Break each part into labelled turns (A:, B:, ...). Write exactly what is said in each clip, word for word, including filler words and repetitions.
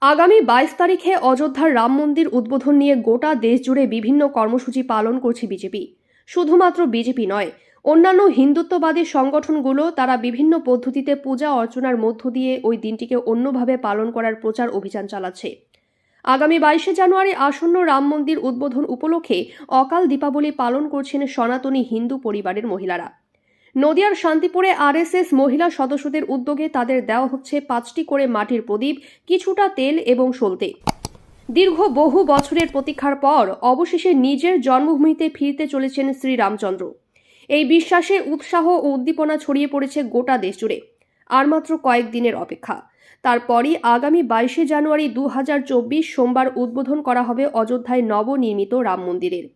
A: আগামী বাইশ তারিখে অযোধ্যার রাম মন্দির উদ্বোধন নিয়ে গোটা দেশ জুড়ে বিভিন্ন কর্মসূচি পালন করছে বিজেপি। শুধুমাত্র বিজেপি নয়, অন্যান্য হিন্দুত্ববাদী সংগঠনগুলো তারা বিভিন্ন পদ্ধতিতে পূজা অর্চনার মধ্য দিয়ে ওই দিনটিকে অন্যভাবে পালন করার প্রচার অভিযান চালাচ্ছে। আগামী বাইশে জানুয়ারি আসন্ন রাম মন্দির উদ্বোধন উপলক্ষে অকাল দীপাবলি পালন করছেন সনাতনী হিন্দু পরিবারের মহিলারা। নদিয়ার শান্তিপুরে আরএসএস মহিলা সদস্যদের উদ্যোগে তাদের দেওয়া হচ্ছে পাঁচটি করে মাটির প্রদীপ, কিছুটা তেল এবং সলতে। দীর্ঘ বহু বছরের প্রতীক্ষার পর অবশেষে নিজের জন্মভূমিতে ফিরতে চলেছেন শ্রীরামচন্দ্র। এই বিশ্বাসে উৎসাহ ও উদ্দীপনা ছড়িয়ে পড়েছে গোটা দেশ জুড়ে। আর মাত্র কয়েকদিনের অপেক্ষা, তারপরই আগামী বাইশে জানুয়ারি দু হাজার চব্বিশ সোমবার উদ্বোধন করা হবে অযোধ্যায় নবনির্মিত রাম মন্দিরের।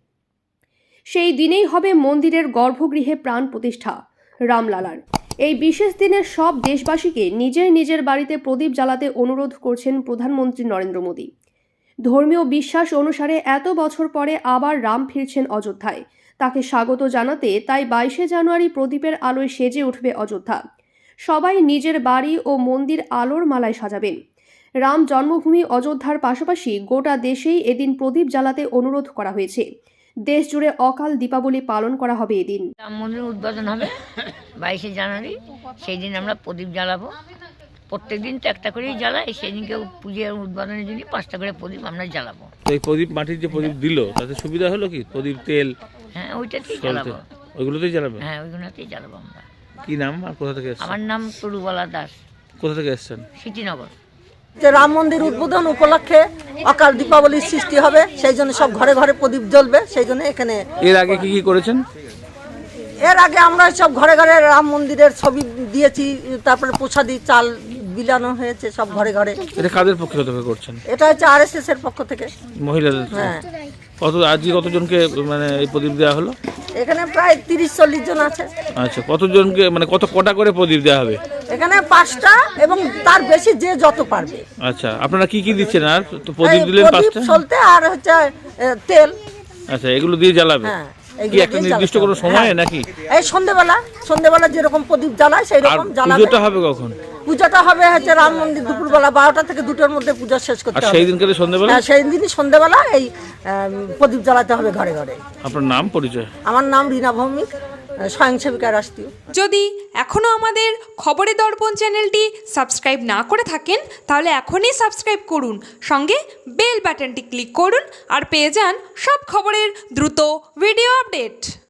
A: সেই দিনেই হবে মন্দিরের গর্ভগৃহে প্রাণ প্রতিষ্ঠা রামলালার। এই বিশেষ দিনে সব দেশবাসীকে নিজের নিজের বাড়িতে প্রদীপ জ্বালাতে অনুরোধ করছেন প্রধানমন্ত্রী নরেন্দ্র মোদী। ধর্মীয় বিশ্বাস অনুসারে এত বছর পরে আবার রাম ফিরছেন অযোধ্যায়, তাকে স্বাগত জানাতে তাই বাইশে জানুয়ারি প্রদীপের আলোয় সেজে উঠবে অযোধ্যা। সবাই নিজের বাড়ি ও মন্দির আলোর মালায় সাজাবেন। রাম জন্মভূমি অযোধ্যার পাশাপাশি গোটা দেশেই এদিন প্রদীপ জ্বালাতে অনুরোধ করা হয়েছে। দেশ জুড়ে অকাল দীপাবলি পালন করা হবে এদিন।
B: রাম মন্দির উদ্বোধন হবে বাইশে জানুয়ারি, সেই দিন আমরা প্রদীপ জ্বালাবো। প্রত্যেক দিন তো একটা করেই জ্বালাই, সেই দিনকে পুজোর উদ্বোধনের জন্য পাঁচটা করে প্রদীপ আমরা জ্বালাবো।
C: তো এই প্রদীপ মাটির যে প্রদীপ দিল তাতে সুবিধা হলো কি? প্রদীপ, তেল,
B: হ্যাঁ ওইটাতেই জ্বালাবো।
C: ওইগুলোতেই জ্বালাবে?
B: হ্যাঁ ওইগুলোতেই জ্বালাবো আমরা।
C: কি নাম আর কোথা থেকে এসেছেন?
B: আমার নাম তরুবালা দাস।
C: কোথা থেকে এসেছেন?
B: সিটিনগর।
D: যে রাম মন্দির উদ্বোধন উপলক্ষে অকাল দীপাবলির সৃষ্টি হবে, সেই জন্য সব ঘরে ঘরে প্রদীপ জ্বলবে, সেই জন্য এখানে।
C: এর আগে কি কি করেছেন?
D: এর আগে আমরা সব ঘরে ঘরে রাম মন্দিরের ছবি দিয়েছি, তারপরে প্রসাদি চাল বিলানো হয়েছে সব ঘরে ঘরে।
C: এটা কাদের পক্ষ থেকে করছেন?
D: এটা হচ্ছে আরএসএস এর পক্ষ থেকে,
C: মহিলাদের।
D: হ্যাঁ।
C: কত আজকে কতজনকে মানে এই প্রদীপ দেওয়া হলো?
D: এখানে প্রায় তিরিশ চল্লিশ জন আছে।
C: আচ্ছা, কতজনকে মানে কত কটা করে প্রদীপ দেওয়া হবে?
D: এখানে পাঁচটা এবং তার বেশি যে যত পারবে।
C: আচ্ছা, আপনারা কি কি দিচ্ছেন? আর তো প্রদীপ দিলেন পাঁচটা,
D: চলতে আর হচ্ছে তেল।
C: আচ্ছা, এগুলো দিয়ে জ্বালাবে?
D: হ্যাঁ।
C: কি একটা নির্দিষ্ট কোনো সময় নাকি?
D: এই সন্ধ্যেবেলা, সন্ধ্যেবেলা যেরকম প্রদীপ জ্বালায় সেই রকম জ্বালাবে।
C: পুজোটা হবে কখন?
D: পূজাটা হবে হচ্ছে রাম মন্দির দুপুরবেলা বারোটা থেকে দুটোর মধ্যে পূজা শেষ করতে হবে।
C: সেই দিনকে সন্ধ্যাবেলা?
D: হ্যাঁ, সেই দিনই সন্ধ্যাবেলা এই প্রদীপ জ্বালাতে হবে ঘরে ঘরে।
C: আপনার নাম পরিচয়?
D: আমার নাম রীনা ভৌমিক, স্বয়ংসেবিকা রাষ্ট্রীয়।
E: যদি এখনও আমাদের খবরের দর্পণ চ্যানেলটি সাবস্ক্রাইব না করে থাকেন তাহলে এখনই সাবস্ক্রাইব করুন, সঙ্গে বেল বাটনটি ক্লিক করুন আর পেয়ে যান সব খবরের দ্রুত ভিডিও আপডেট।